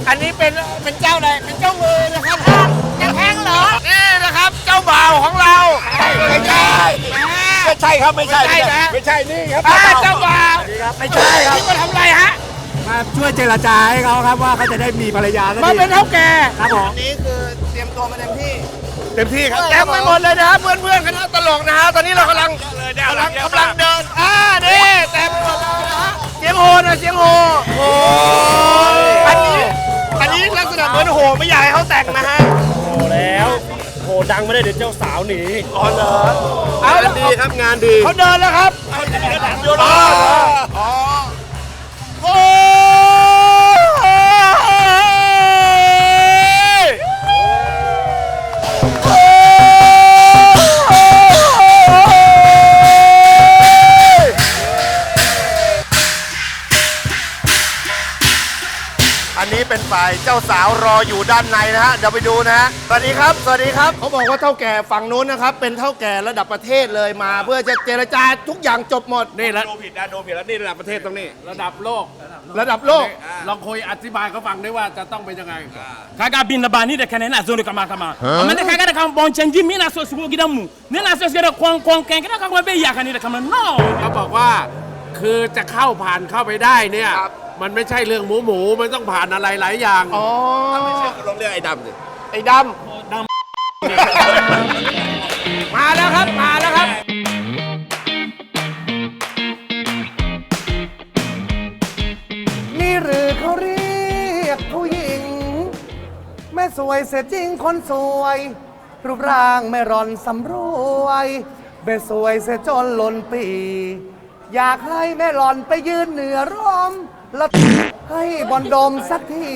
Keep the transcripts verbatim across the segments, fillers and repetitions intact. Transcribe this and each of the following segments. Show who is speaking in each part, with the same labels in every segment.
Speaker 1: อันนี้เป็นเป็นเจ้าอะไรเป็นเจ้ามือนะครับจะแทงเหรอนี่นะครับเจ้าบ่าวของเราไม่ใช่ไม่ใช่ครับไม่ใช่นะไม่ใช่นี่ครับเจ้าบ่าวไม่ใช่ครับนี่มาทำอะไรฮะ
Speaker 2: มาช่วยเจรจาให้เขาครับว่าเขาจะได้มีภรรยาสักที
Speaker 1: มาเป็นเท่าแก่
Speaker 2: ครับผม
Speaker 1: นี่คือเตรียมตัวมาเต็มที่เต็มที่ครับแต็มไปหมดเลยนะครับเพื่อนเพื่อนคณะตลกนะฮะตอนนี้เรากำลังกำลังกำลังเดินอ่านี่แต็มไปหมดเลยนะเสียงโหนะเสียงโหโอ้อันนี้อันนี้ลักษณะเหมือนโหไม่อยากให้เขาแต่งนะฮะ
Speaker 3: โหแล้วโหดังไม่ได้เดี๋ยวเจ้าสาวหนี
Speaker 1: อ๋อเหรอเอาดีครับงานดีเขาเดินแล้วครับเขาเดินแล้วอ๋อโอ้อันนี้เป็นฝ่ายเจ้าสาวรออยู่ด้านในนะฮะเดี๋ยวไปดูนะฮะสวัสดีครับสวัสดีครับเขาบอกว่าเท่าแก่ฝั่งนู้นนะครับเป็นเท่าแก่ระดับประเทศเลยมาเพื่อจะเจรจาทุกอย่างจบหมด
Speaker 3: นี่แล้วดูผิดนะดูผิดแล้วนี่ระดับประเทศตรงนี้
Speaker 2: ระดับโลก
Speaker 1: ระดับโลก
Speaker 2: ลองคุยอธิบายเขาฟังได้ว่าจะต้องเป็นยังไง
Speaker 4: kaga bin na bani de kana na zone kama kama amane kaga da kan bon change mi na so sugo gidamu ne na so sugo kon kon kan kana kan be ya kan ni da kama no
Speaker 2: เขาบอกว่าคือจะเข้าผ่านเข้าไปได้เนี่ยมันไม่ใช่เรื่องหมูหมูมันต้องผ่านอะไรหลายอย่าง
Speaker 1: อ๋อ
Speaker 3: ถ้าไม่ใช่ลองเรียกไอ้ดำสิ
Speaker 1: ไอ้ดำดำมาแล้วครับมาแล้วครับ
Speaker 5: นี่หรือเขาเรียกผู้หญิงแม่สวยเสียจริงคนสวยรูปร่างไม่ร่อนสำรวยแม่สวยเสียจนล้นปีอยากให้แม่หล่อนไปยืนเหนือร่มแล้วให้บอลดมสักที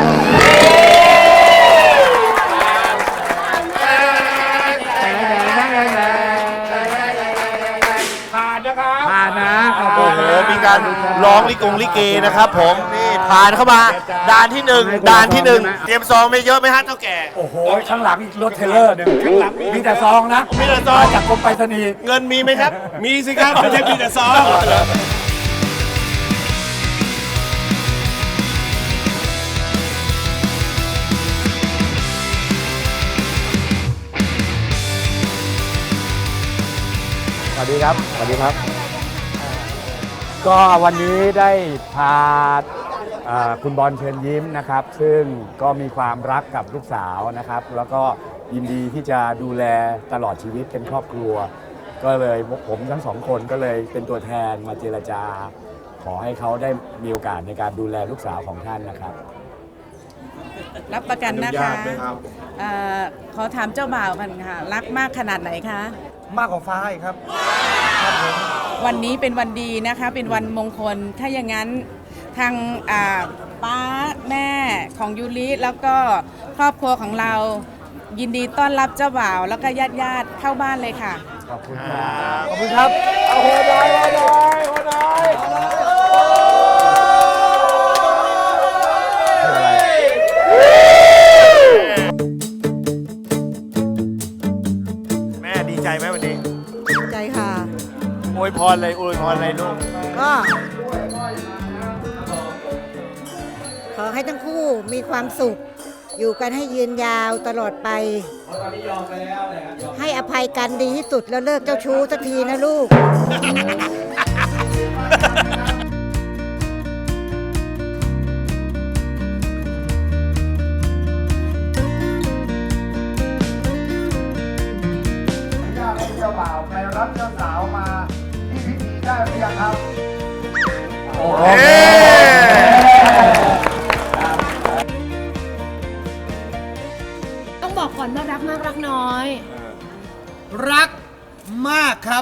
Speaker 1: ผ่านนะครับ
Speaker 2: ผ่านนะ
Speaker 1: โอ้โหมีการร้องลิกงลิเกนะครับผมนี่ผ่านเข้ามาด่านที่หนึ่งด่านที่หนึ่งเตรียมซองไม่เยอะไหมฮะเท่าแก่
Speaker 2: โอ้โหข้างหลังอีกรถเทเลอร์หนึ่งข้างหลังมีแต่ซองนะ
Speaker 1: มีแต่ซอง
Speaker 2: จากกรมไปรษณีย์
Speaker 1: เงินมีไหมครับ
Speaker 3: มีสิครับไม่ใช่มีแต่ซอง
Speaker 2: สวัสดีครับสวัสดีครับก็วันนี้ได้พาคุณบอลเชิญยิ้มนะครับซึ่งก็มีความรักกับลูกสาวนะครับแล้วก็ยินดีที่จะดูแลตลอดชีวิตเป็นครอบครัวก็เลยผมทั้งสองคนก็เลยเป็นตัวแทนมาเจรจาขอให้เขาได้มีโอกาสในการดูแลลูกสาวของท่านนะครับ
Speaker 6: รับประกันนะคะขอถามเจ้าบ่าวกันค่ะรักมากขนาดไหนคะ
Speaker 5: มากกว่าฟ้าอีกครับ
Speaker 6: วันนี้เป็นวันดีนะคะเป็นวันมงคลถ้าอย่างนั้นทางป้าแม่ของยูริแล้วก็ครอบครัวของเรายินดีต้อนรับเจ้าบ่าวแล้วก็ญาติญาติเข้าบ้านเลยค่ะ
Speaker 2: ขอบคุณครับ
Speaker 5: ขอบคุณครับ
Speaker 1: โอ้โหได้ได้ได้แม่ดีใจไหมวันนี้
Speaker 7: ดีใจค่ะ
Speaker 1: อวยพรเลยอวยพรเลยลูก
Speaker 7: ก็ขอให้ทั้งคู่มีความสุขอยู่กันให้ยืนยาวตลอดไปให้อภัยกันดีที่สุดแล้วเลิกเจ้าชู้สักทีนะลูก
Speaker 5: เจ้าบ่าวไปรับเจ้าสาวมาที่พิธีได้หรือยังครับ
Speaker 1: โอ้โห
Speaker 8: ต้องบอกก่อนว่ารักมากรักน้อย
Speaker 5: รักมากครับ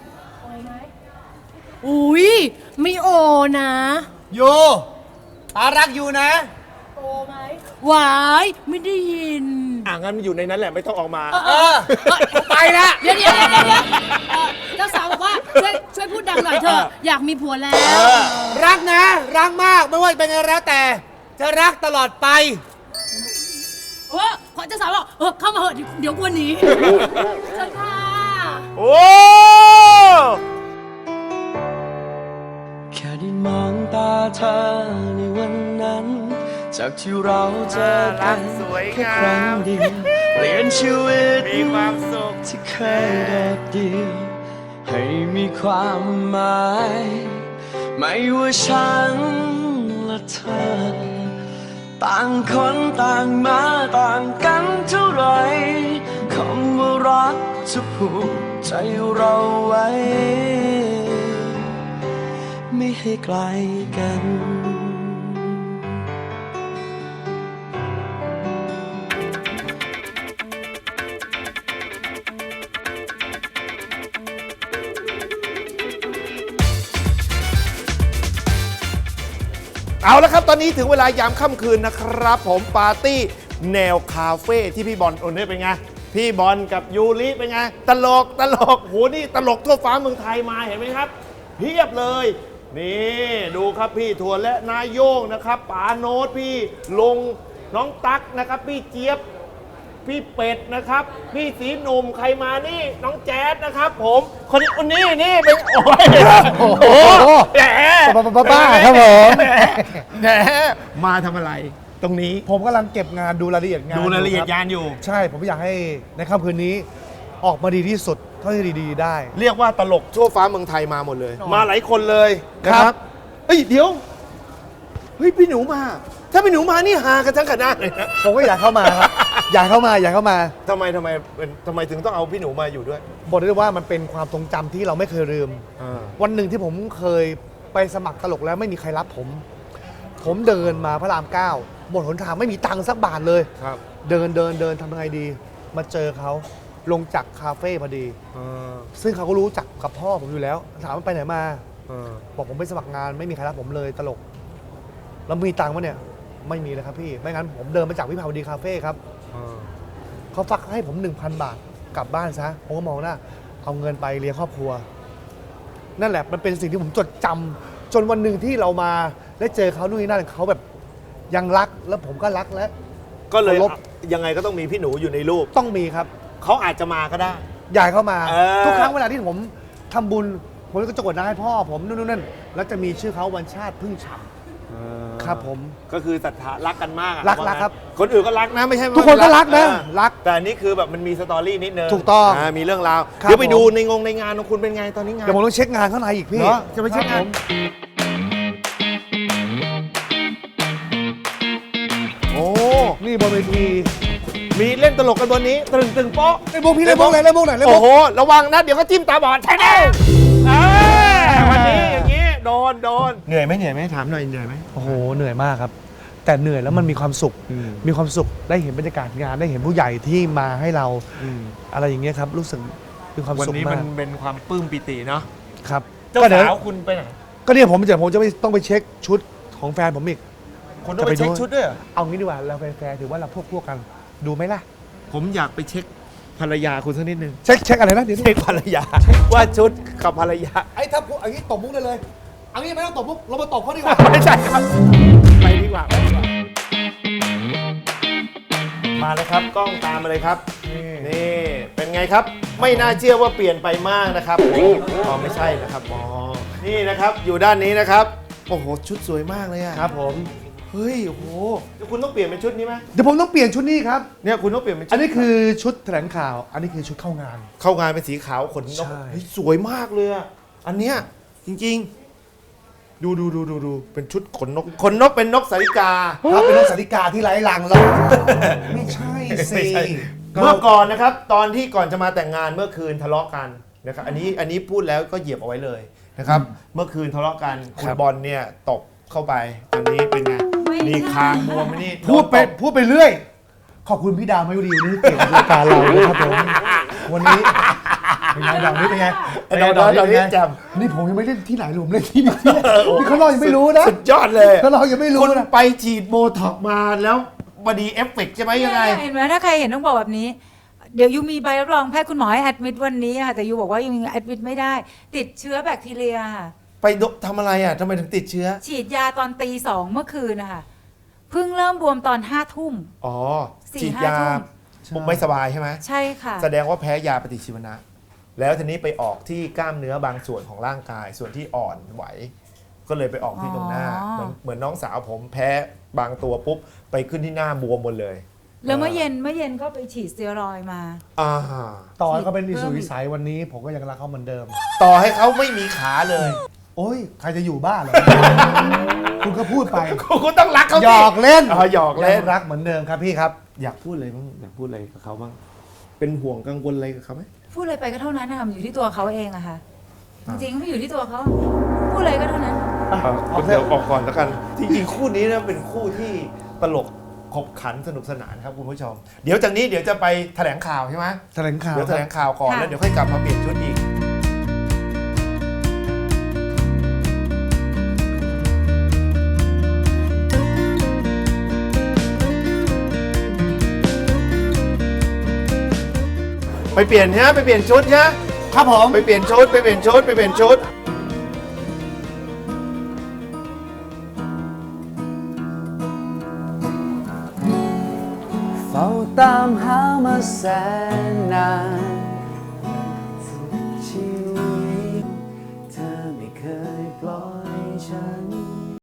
Speaker 8: อุ้ยไม่โอนะ
Speaker 5: โยอารักอยู่นะ
Speaker 8: โอไหมหวายไม่ได้ยิน
Speaker 3: อ่ะงั้นอยู่ในนั้นแหละไม่ต้องออกมา
Speaker 5: เออไปละ
Speaker 8: เดี๋ยวเดี๋ยวเดี๋ยวเดี๋ยวเจ้าสาวบอกว่าช่วยช่วยพูดดังหน่อยเถอะอยากมีผัวแล้ว
Speaker 5: รักนะรักมากไม่ว่าเป็นไงแล้วแต่จะรักตลอดไป
Speaker 8: เออขอเจ้าสาวบอกเออเข้ามาเหอะเดี๋ยวกวนหนีเชิญค่ะ
Speaker 1: โอ้
Speaker 9: แค่ได้มองตาเธอในวันนั้นจากที่เราเจอกัน
Speaker 1: สวย
Speaker 9: แค่
Speaker 1: งา
Speaker 9: ครั้ง
Speaker 1: ม
Speaker 9: เดียวเปลี่ยนชีวิต
Speaker 1: มีความสุข
Speaker 9: ที่เคยโดดเดี่ยวให้มีความหมาย ไม่ว่าฉันและเธอ ต่างคนต่างมาต่างกันเท่าไรคำว่ารักจะผูกใจเราไว้ ไม่ให้ไกลกัน
Speaker 1: เอาละครับตอนนี้ถึงเวลายามค่ำคืนนะครับผมปาร์ตี้แนวคาเฟ่ที่พี่บอลโอนนี่เป็นไงพี่บอลกับยูริเป็นไงตลกตลกโหนี่ตลกทั่วฟ้าเมืองไทยมาเห็นไหมครับเพียบเลยนี่ดูครับพี่ถั่วและนายโยงนะครับป๋าโน้ตพี่ลงน้องตั๊กนะครับพี่เจี๊ยบพี่เป็ดนะครับพี่สีหนุ่มใครมานี่น้องแจ๊ดนะครับผมคนนี้คนนี้นี่เป็นโอ้ยโอ้โหแหม
Speaker 5: บ้าๆครับผม
Speaker 1: แหมแหมมาทำอะไรตรงนี้
Speaker 5: ผมกำลังเก็บงานดูรายละเอียดงาน
Speaker 1: ดูรายละเอียด
Speaker 5: คบ
Speaker 1: งานอยู่
Speaker 5: ใช่ผมอยากให้ในค่ำคืนนี้ออกมาดีที่สุดเท่าที่ดีๆได้
Speaker 1: เรียกว่าตลกทั่วฟ้าเมืองไทยมาหมดเลย
Speaker 5: อ๋อ
Speaker 1: มาหลายคนเลยนะค
Speaker 5: ครั
Speaker 1: รับบ เอ้ยเดี๋ยวเฮ้ยพี่หนูมา ถ้าพี่หนูมานี่ฮากันทั้งคณะเลยนะ
Speaker 5: ผมก็อยากเข้ามาครับ อยากเข้ามาอยากเข้ามา
Speaker 1: ทำไมทำไมเป็นทำไมถึงต้องเอาพี่หนูมาอยู่ด้วย
Speaker 5: บอกได้เลยว่ามันเป็นความทรงจำที่เราไม่เคยลืม วันหนึ่งที่ผมเคยไปสมัครตลกแล้วไม่มีใครรับผม ผมเดินมาพระรามเก้าหมดหนทางไม่มีตังค์สักบาทเลย
Speaker 1: ครับ
Speaker 5: เดินเดินเดินทำยังไงดี มาเจอเขาลงจากคาเฟ่พอดี ซึ่งเขาก็รู้จักกับพ่อผมอยู่แล้ว ถามว่าไปไหนมา บอกผมไปสมัครงานไม่มีใครรับผมเลยตลก แล้วมีตังค์ปะเนี่ย ไม่มีเลยครับพี่ ไม่งั้นผมเดินมาจากวิภาวดีคาเฟ่ครับเขาฟักให้ผม หนึ่งพัน บาทกลับบ้านซะ ผมก็มองหน้าเอาเงินไปเลี้ยงครอบครัว นั่นแหละมันเป็นสิ่งที่ผมจดจำจนวันหนึ่งที่เรามาได้เจอเขานู่นนี่นั่นเขาแบบยังรักแล้วผมก็รักแล้ว
Speaker 1: ก็เลย
Speaker 5: เคารพ
Speaker 1: ยังไงก็ต้องมีพี่หนูอยู่ในรูป
Speaker 5: ต้องมีครับ
Speaker 1: เขาอาจจะมาก็ได้
Speaker 5: อยากเข้ามา
Speaker 1: เออ
Speaker 5: ทุกครั้งเวลาที่ผมทำบุญผมก็จะกดน้ำให้พ่อผมนู่นนนั่นแล้วจะมีชื่อเขาวันชาติพึ่งฉ่ำครับผม
Speaker 1: ก็คือศรัทธารักกันมากอะ
Speaker 5: รัก
Speaker 1: ว่างั้น
Speaker 5: รักครับ
Speaker 1: คนอื่นก็รักนะไม่ใช่ว่า
Speaker 5: ทุกคนก็รักนะ
Speaker 1: เออ
Speaker 5: รัก
Speaker 1: แต่อันนี้คือแบบมันมีสตอรี่นิดนึง
Speaker 5: ถูกต้อง
Speaker 1: ามีเรื่องราว
Speaker 5: ครับ
Speaker 1: เดี๋ยวไป
Speaker 5: ผม
Speaker 1: ดูในงงในงานของคุณเป็นไงตอนนี้งาน
Speaker 5: เดี๋ยวผมต้องเช็คงานข้างในอีกพี่
Speaker 1: เหรอจะไปเช็คงาน
Speaker 5: รับผมโอ้นี่บนเวที
Speaker 1: มีเล่นตลกกันบนนี้ตึงตึงโป๊ะ
Speaker 5: เล่นมุกพี่เล่นมุกไหนเล่นมุกไหนเล่น
Speaker 1: โอ้
Speaker 5: มุก
Speaker 1: โหระวังนะเดี๋ยวก็จิ้มตาบอดใช่ไหมเออวันนี้อย่างนี้โดนโดนเหนื่อยไหมเหนื่อยไหมถามหน่อยเหนื่อยไหม
Speaker 5: โอ้โหเหนื่อยมากครับ แต่เหนื่อยแล้วมันมีความสุข มีความสุขได้เห็นบรรยากาศงานได้เห็นผู้ใหญ่ที่มาให้เราอะไรอย่างเงี้ยครับรู้สึกมีความ
Speaker 1: วัน
Speaker 5: สุข
Speaker 1: นี้
Speaker 5: มา
Speaker 1: มั
Speaker 5: ก
Speaker 1: นเป็นความปลื้มปิติเนาะ
Speaker 5: ครับ
Speaker 1: เจ้า
Speaker 5: ก็ดี๋ย
Speaker 1: สาวคุณไปไหน
Speaker 5: ก็เนี่ยผมจะผมจะไปต้องไปเช็คชุดของแฟนผมอีก
Speaker 1: คุณต้องไปเช็คชุดด้วยเหรอ
Speaker 5: เอางี้ดีกว่าเราแฟนๆถือว่าเราพวกพวกกันดูไหมล่ะ
Speaker 1: ผมอยากไปเช็คภรรยาคุณสักนิดนึง
Speaker 5: เช็คเช็คอะไรนะเดี๋ยว
Speaker 1: เช็คภรรยาว่าชุดกับภรรยา
Speaker 5: ไอ้ถ้าพูดอันนี้ตบมุกได้เลยอันนี้ไม่ต้องตบมุกเรามาตบเขาดีกว่า
Speaker 1: ไม่ใช่ครับไปดีกว่าไปดีกว่ามาเลยครับกล้องตามมาเลยครับนี่เป็นไงครับ ไม่น่าเชื่อว่าเปลี่ยนไปมากนะครับอ๋อไม่ใช่นะครับอ๋อนี่นะครับอยู่ด้านนี้นะครับโอ้โหชุดสวยมากเลยอะ
Speaker 5: ครับผม
Speaker 1: เฮ้ยโอ้โหเดี๋ยวคุณต้องเปลี่ยนเป็นชุดนี้ไหม
Speaker 5: เดี๋ยวผมต้องเปลี่ยนชุดนี้ครับ
Speaker 1: เนี่ยคุณต้องเปลี่ยนเป็นชุด
Speaker 5: อันนี้คือชุดแถลงข่าว อันนี้คือชุดเข้างาน
Speaker 1: เข้างานเป็นสีขาวขนนก
Speaker 5: ใช่
Speaker 1: เฮ้ยสวยมากเลยอะอันเนี้ยจริงๆ ดูดูดูดูดูเป็นชุดขนนกขนนกเป็นนกสาริกา
Speaker 5: ถ้าเป็นนกสาริกาที่ไร้รังแล้ว ไม่ใช่สิ
Speaker 1: เมื่อก่อนนะครับ ตอนที่ก่อนจะมาแต่งงานเมื่อคืนทะเลาะกันนะครับอันนี้อันนี้พูดแล้วก็เหยียบเอาไว้เลยนะครับ เมื่อคืนทะเลาะกันคุณบอลเนี่ยตกเข้าไปอันนี้เป็นไงนี่คางบวมไหมนี่
Speaker 5: พูดไป
Speaker 1: โนตบ
Speaker 5: พูดไปเรื่อย ขอบคุณพี่ดาวมายุรีวันนี้เกี่ยวกับรายการเรานะครับผมวันนี้เป็นไงดาวนี้เป็นไง
Speaker 1: ไอ้ดาวดาวดาวนี่แจ่ม
Speaker 5: นี่ผมยังไม่เล่นที่ไหนเลยผมเล่นที่นี่นี่เขาเรายังไม่รู้นะ
Speaker 1: สุดยอดเลย
Speaker 5: เขาเรายังไม่รู้
Speaker 1: คุณ
Speaker 5: นะ
Speaker 1: ไปฉีดโบท็อกซ์มาแล้วบอดีเอฟเฟกต์ใช่ไหมยังไง
Speaker 10: เห็นไหมถ้าใครเห็นต้องบอกแบบนี้ เดี๋ยวยูมีใบรับรองแพทย์คุณหมอให้แอดมิดวันนี้ค่ะแต่ยูบอกว่ายูยังแอดมิดไม่ได้ ติดเชื้อแบคทีเรียค่ะ
Speaker 1: ไปทำอะไรอ่ะทำไมถึงติดเชื้อ
Speaker 10: ฉีดยาตอนตีสองเมื่อคืนนะคะเพิ่งเริ่มบวมตอนห้าทุ่ม
Speaker 1: อ๋อ
Speaker 10: สี่
Speaker 1: ฉีด
Speaker 10: ห้าย
Speaker 1: า
Speaker 10: ทุ่ม
Speaker 1: ปุ๊บไม่สบายใช่ไหม
Speaker 10: ใช่ค่ะ
Speaker 1: แสดงว่าแพ้ยาปฏิชีวนะ แล้วทีนี้ไปออกที่กล้ามเนื้อบางส่วนของร่างกาย ส่วนที่อ่อนไหวก็เลยไปออกที่ตรงหน้า
Speaker 10: อ๋อ
Speaker 1: เหมือนเหมือนน้องสาวผมแพ้บางตัวปุ๊บไปขึ้นที่หน้าบวมหมดเลย
Speaker 10: แล้วเมื่อเย็นเมื่อเย็นก็ไปฉีดสเตียรอยด์มา
Speaker 1: อ่า
Speaker 5: ต่อให้เขาเป็นอิสุวิสัยวันนี้ ผมก็ยังรักเขาเหมือนเดิม
Speaker 1: ต่อให้เขาไม่มีขาเลย
Speaker 5: โอ้ย ใครจะอยู่บ้านเหรอ คุณก็พูดไป
Speaker 1: คุณต้องรักเขาสิ
Speaker 5: หยอกเล่น
Speaker 1: อ๋อหยอกเล่น
Speaker 5: งรักเหมือนเดิมครับพี่ครับ อยากพูดอะไรบ้างอยากพูดอะไรกับเขาบ้าง เป็นห่วงกังวลอะไรกับเขาไหม
Speaker 10: พูดอะไรไปก็เท่านั้นนะคะมันอยู่ที่ตัวเขาเองอะค่ะ จริงๆไม่อยู่ที่ตัวเขาพูดอะไรก็เท่านั้น
Speaker 1: เดี๋ยวออกก่อนแล้วกัน จริงๆ คู่นี้นะเป็นคู่ที่ตลกขบขันสนุกสนานครับคุณผู้ชม เดี๋ยวจากนี้เดี๋ยวจะไปแถลงข่าวใช่ไหม
Speaker 5: แถลงข่าว
Speaker 1: เดี๋ยวแถลงข่าวก่อน
Speaker 10: ค่ะ
Speaker 1: แล้วเดี๋ยวค่อยกลับมาเปลี่ยนชุดอีก ไปเปลี่ยนใช่ไหมไปเปลี่ยนชุดใช่ไหม
Speaker 5: ครับผม
Speaker 1: ไปเปลี่ยนชุดไปเปลี่ยนชุดไปเปลี่ยนชุด
Speaker 9: เฝ้าตามหามาแสนนาน